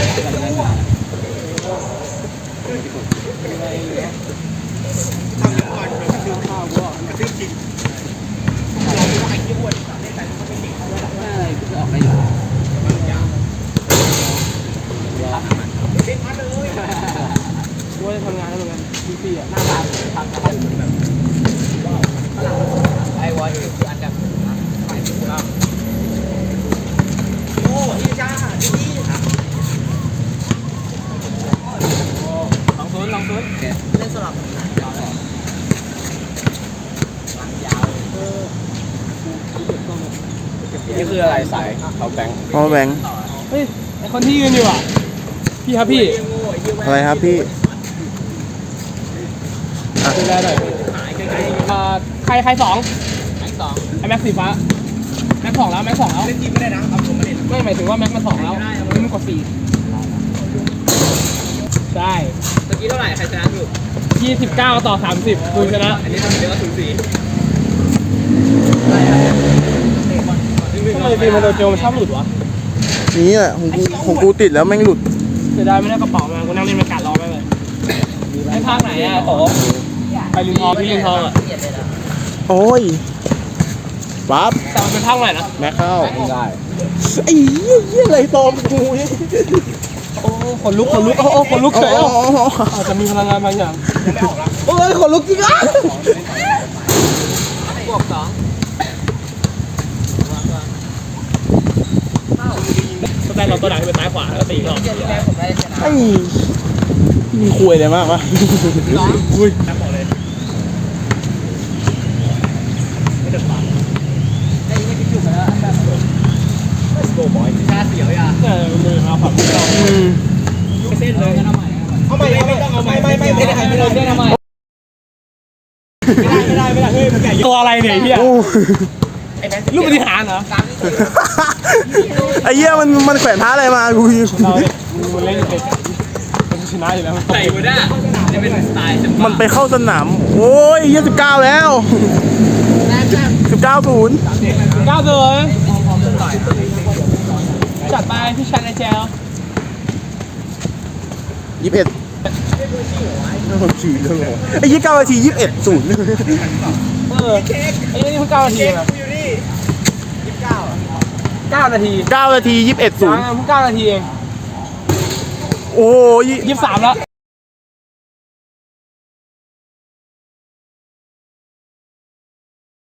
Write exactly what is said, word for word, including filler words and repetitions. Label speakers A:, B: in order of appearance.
A: ว่าจะทำงานแล้วเหมือนกันพี่พี่อ่ะหน้าตาทำงานแบบไอ้วอลคืออันดับไปถูกต้องโอ้ยจ้าดีลองซุนลองซุนเล่นสลับยาวเลยยาวเออนี่คืออะไรสายเขาแบงค์
B: เขาแบงค์
A: เฮ้ยไอคนที่ยืนอยู่อ่ะพี่ครับพี่
B: อะไรครับพี่
A: ดูแลหน่อยใครใครสองแม็กสองไอแม็กสีฟ้าแม็กสองแล้วแม็กสองแล้วเล่นทีมไม่ได้นะครับผมไม่เล่นไม่หมายถึงว่าแม็กมันสองแล้วไม่มันกดสี่ใช่เมื่อกี้เท่าไหร่ใครชนะอยู่ยี่สิบเก้าต่อสามสิบคุณชนะอันนี้ทำเยอะสูสีทำไมฟีมันโดนโจมชอบหลุดวะ
B: นี่แหละของกูของกูติดแล้วแม่งหลุด
A: เสียดายไม่ได้กระเป๋ามากูนั่งเล่นมันกัดรอไปเลยไอ้ภาคไหนอ่ะโอ้ไปลินทองพี่ลินทองอ่ะ
B: โอ้ยปั๊บ
A: แต่มันเป็นภาคไหนนะ
B: แม็กเข้าไม่ได้ไอ้เหี้ยเหี้ยอะไรตอมกูเนี่ย
A: โอ้ขนลุกขนลุกโอ้ขนลุกเฉยอาจจะมีพลังงานบางอย่าง
B: โอ้ยขนลุกจริงอ่ะ
A: บวกสองสแตนเราตัวหลังเป็นซ้ายขวาแล้วก็ตีรอบ
B: ไอ้มีคุยอะไรมากวะคุย
A: บอกเลยไม่เดือดร้อนไอ้ไม่คิดอยู่แล้วแบบโก้บอยชาเสียวอ่ะเออมือเอาผักเราเส้นเลยเอาใหม่ไม่ต้องเอาใหม่ไม่ไม่ไม่ได้ไม่ได้ไม่ได้ไม่ได้ไม่ได้เฮ้ยมันใหญ่ตัวอะไรเนี่ยเฮียลูกปฏิหารเหรอ
B: ไอ้เหี้ยมันมันแขวนท้าอะไรมากู
A: เราเล่นเป็นเป็นชนะอยู่แล้วใส่บูด้าจะเป็นสไตล์
B: มันไปเข้าสนามโอ้ยยี่สิบเก้าแล้วสิบเก้าศูนย์
A: เก้าเลยจัดไปพี่ชันไอเจล
B: ยี่สิบเอ็ดไอ้ยี่เก้านาทียี่สิบเอ็ดศูนย์
A: เออไอ้นี่เพิ่งเก้านาทีอะเก้านาที
B: เก้านาทียี่สิบเอ็ดศูนย์
A: เพิ่งเก้านาทีเอง
B: โอ้ย
A: ยี่สิบสามแล้ว